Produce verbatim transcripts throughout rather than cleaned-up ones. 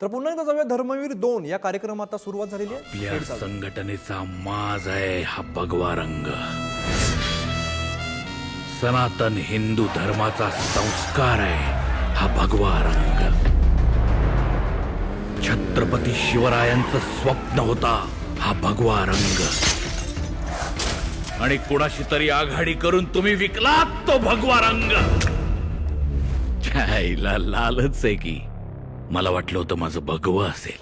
तर पुन्हा एकदा जाऊया धर्मवीर दोन या कार्यक्रमात आता सुरुवात झालेली आहे. आपल्या संघटनेचा माज आहे हा भगवा रंग. सनातन हिंदू धर्माचा संस्कार आहे हा भगवा रंग. छत्रपती शिवरायांचं स्वप्न होता हा भगवा रंग. आणि कुणाशी तरी आघाडी करून तुम्ही विकलात तो भगवा रंग. छायला लालच आहे की. मला वाटलं होतं माझं भगवं असेल.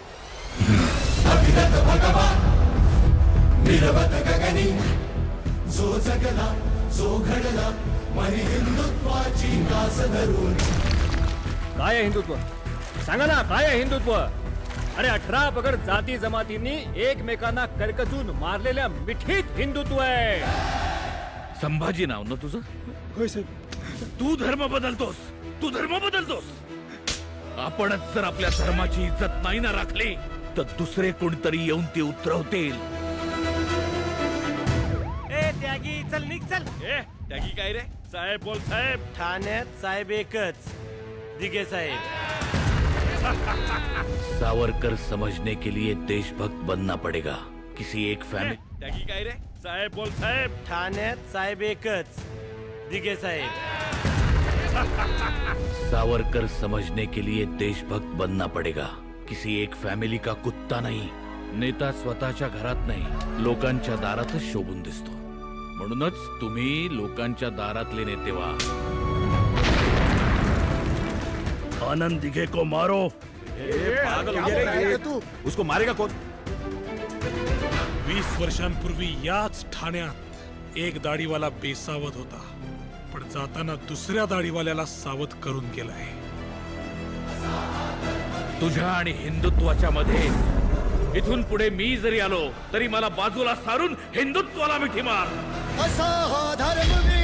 जो जगला जो घडला मनी हिंदुत्वाची कास धरून. काय आहे हिंदुत्व? सांगा ना, काय आहे हिंदुत्व? अरे अठरा पगड जाती जमातींनी एकमेकांना करकचून मारलेल्या मिठीत हिंदुत्व आहे. संभाजी नाव ना तुझं? होय साहेब. तू धर्म बदलतोस. तू धर्म बदलतोस. आपणच जर आपल्या धर्माची इज्जत नाही ना राखली तर दुसरे कोणतरी येऊन ती उतरवतील. ए त्यागी चल निघ चल. ए त्यागी काय रे? साहेब बोल साहेब. ठाण्यात साहेब एकच, दिघे साहेब. सावरकर समझने के लिए देशभक्त बनना पड़ेगा. किसी एक फैमिली. त्यागी काय रे? साहेब बोल साहेब. ठाण्यात साहेब एकच, दिघे साहेब. सावरकर समझने के लिए देशभक्त बनना पड़ेगा. किसी एक फॅमिली का कुत्ता नाही. नेता स्वतःच्या घरात नाही लोकांच्या दारातच शोभून दिसतो. म्हणूनच तुम्ही लोकांच्या दारातले नेते व्हा. आनंद दिघे को मारो. पागल हो गया रे तू? उसको मारेगा कौन? वीस वर्षांपूर्वी याच ठाण्यात एक दाढीवाला बेसावध होता, पण जाताना दुसऱ्या दाढीवाल्याला सावध करून गेलाय. तुझ्या आणि हिंदुत्वाच्या मध्ये इथून पुढे मी जरी आलो तरी मला बाजूला सारून हिंदुत्वाला मिठी मार. असा हा धर्मवीर.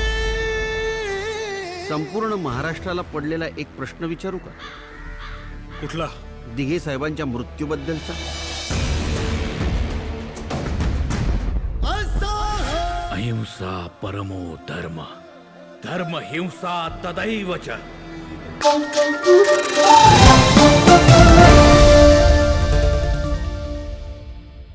संपूर्ण महाराष्ट्राला पडलेला एक प्रश्न विचारू का? कुठला? दिघे साहेबांच्या मृत्यूबद्दलचा. असा हा अहिंसा परमो धर्म. धर्म हिंसा तदैव च.